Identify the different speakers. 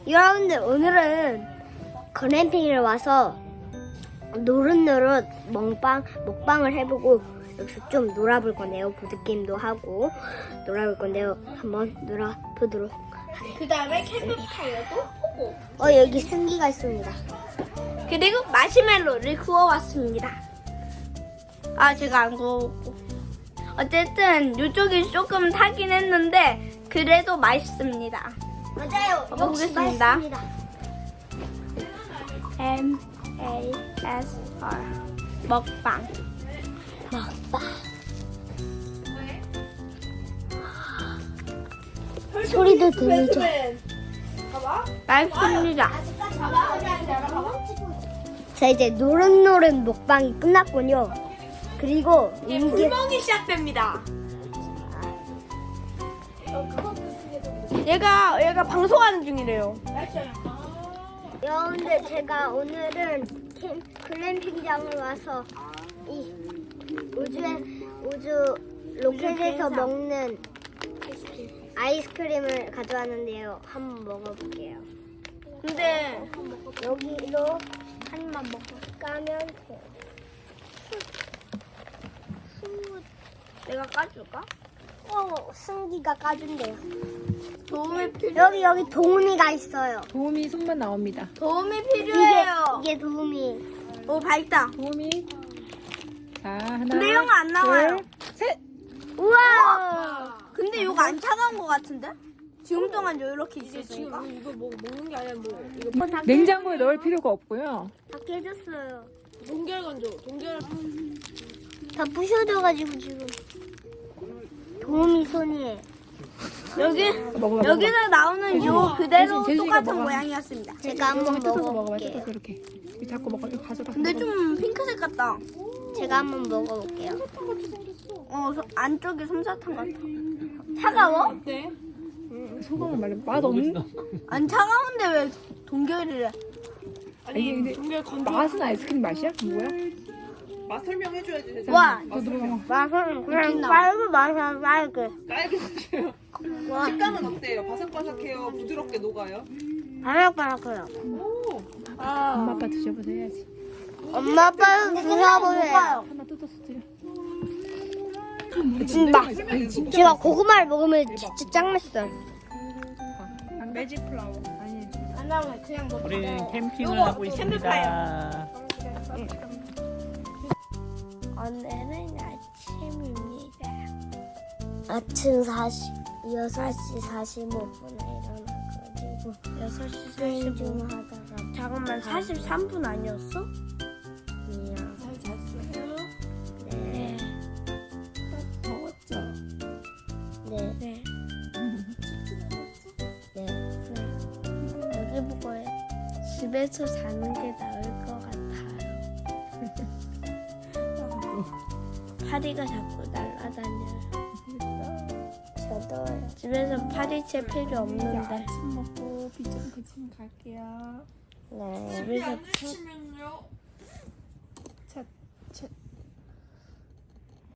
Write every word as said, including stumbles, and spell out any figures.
Speaker 1: 여러분들 오늘은 글램핑을 와서 노릇노릇 먹방, 먹방을 해보고 여기서 좀 놀아볼 건데요. 보드게임도 하고 놀아볼 건데요. 한번 놀아보도록
Speaker 2: 그 다음에 캠프파이어도 하고
Speaker 1: 어 여기 승기가 있습니다.
Speaker 2: 그리고 마시멜로를 구워왔습니다. 아 제가 안 구워먹고 어쨌든 이쪽이 조금 타긴 했는데 그래도 맛있습니다.
Speaker 1: 맞아요. 역시
Speaker 2: 먹어보겠습니다.
Speaker 1: 맛있습니다.
Speaker 2: M A S R 먹방.
Speaker 1: 먹방. 소리도 들리죠?
Speaker 2: 맛있습니다.
Speaker 1: 자 이제 노릇노릇 먹방이 끝났군요. 그리고
Speaker 2: 이제
Speaker 1: 이게
Speaker 2: 불멍이 시작됩니다. 얘가 얘가 방송하는 중이래요.
Speaker 1: 여러분들 제가 오늘은 캠, 글램핑장을 와서 이 우주에 우주 로켓에서 먹는 아이스크림을 가져왔는데요. 한번 먹어볼게요.
Speaker 2: 근데
Speaker 1: 여기로 한 입만 먹고 까면 돼요.
Speaker 2: 내가 까줄까?
Speaker 1: 어, 승기가 까준대요.
Speaker 2: 도움이 필요
Speaker 1: 여기 여기 도우미가 있어요.
Speaker 3: 도우미 손만 나옵니다.
Speaker 2: 도움이
Speaker 1: 이게
Speaker 2: 필요해요.
Speaker 1: 이게 도우미.
Speaker 2: 오 밝다.
Speaker 3: 도우미. 자, 하나.
Speaker 2: 근데 이런 거 안 나와요.
Speaker 3: 둘, 셋.
Speaker 1: 우와!
Speaker 2: 근데 이거 안 차가운 거 같은데? 지금 동안 이렇게 있었으니까.
Speaker 4: 이거 뭐 먹는 게 아니라 뭐 이거
Speaker 1: 뭐 다
Speaker 3: 냉장고에 넣을 필요가 없고요.
Speaker 1: 다 깨졌어요.
Speaker 4: 동결 건조 동결
Speaker 1: 다 부셔져가지고 지금 도우미 손이에요.
Speaker 2: 여기
Speaker 3: 먹어봐.
Speaker 2: 여기서 나오는 요 그대로
Speaker 3: 제주이가
Speaker 2: 똑같은
Speaker 3: 먹어.
Speaker 2: 모양이었습니다.
Speaker 1: 제가 한번
Speaker 3: 뜯어서 먹어봐.
Speaker 1: 먹어볼게요.
Speaker 3: 뜯어서 이렇게. 이거 자꾸 먹어. 이거 가져가.
Speaker 2: 근데 좀 핑크색 같다.
Speaker 1: 제가 한번 먹어볼게요.
Speaker 2: 어 소- 안쪽에 솜사탕 같아. 차가워?
Speaker 4: 어때?
Speaker 3: 소금을 말해. 맛 없는?
Speaker 2: 안 차가운데 왜 동결이래?
Speaker 3: 아니, 이게 근데
Speaker 4: 동결 건조
Speaker 3: 맛은 아이스크림 맛이야? 뭐야?
Speaker 4: 맛 설명해줘야지 세상에.
Speaker 2: 와
Speaker 3: 너 들어가.
Speaker 1: 맛은 그냥
Speaker 2: 웃긴다.
Speaker 1: 빨고 맛은 빨고.
Speaker 4: 딸기 맛이에요.
Speaker 1: 와,
Speaker 4: 식감은 어때요? 바삭바삭해요? 부드럽게 녹아요?
Speaker 1: 바삭바삭해요.
Speaker 4: 오.
Speaker 3: 엄마 아빠 드셔보세요 해야지.
Speaker 1: 엄마 아빠는 드셔보세요.
Speaker 3: 하나 뜯어서 드려.
Speaker 1: 진짜
Speaker 3: 아니, 진짜.
Speaker 1: 제가 고구마를 먹으면 진짜 짱 맛있어요.
Speaker 4: 매직 플라워.
Speaker 3: 아니.
Speaker 2: 안 나오면 그냥 먹자.
Speaker 5: 우리는 캠핑을
Speaker 2: 요거
Speaker 5: 하고 있습니다.
Speaker 1: 오늘은 아침입니다. 아침 사십, 여섯 시 사십오 분에 일어나가지고
Speaker 2: 여섯 시
Speaker 1: 수행 좀 하다가
Speaker 2: 잠깐만 사십삼 분 아니었어?
Speaker 1: 미안.
Speaker 4: 잘 잤어요?
Speaker 1: 네.
Speaker 4: 더웠죠?
Speaker 1: 네.
Speaker 2: 네.
Speaker 1: 네. 여기 보고 집에서 자는 게 나을 것 같아요.
Speaker 2: 파리가 자꾸 날아다녀요.
Speaker 1: 저도요.
Speaker 2: 집에서 파리채 필요 없는데.
Speaker 3: 아침 먹고 비좀 그치면 갈게요.
Speaker 1: 네.
Speaker 2: 집에서
Speaker 4: 아침은요?
Speaker 3: 차, 차,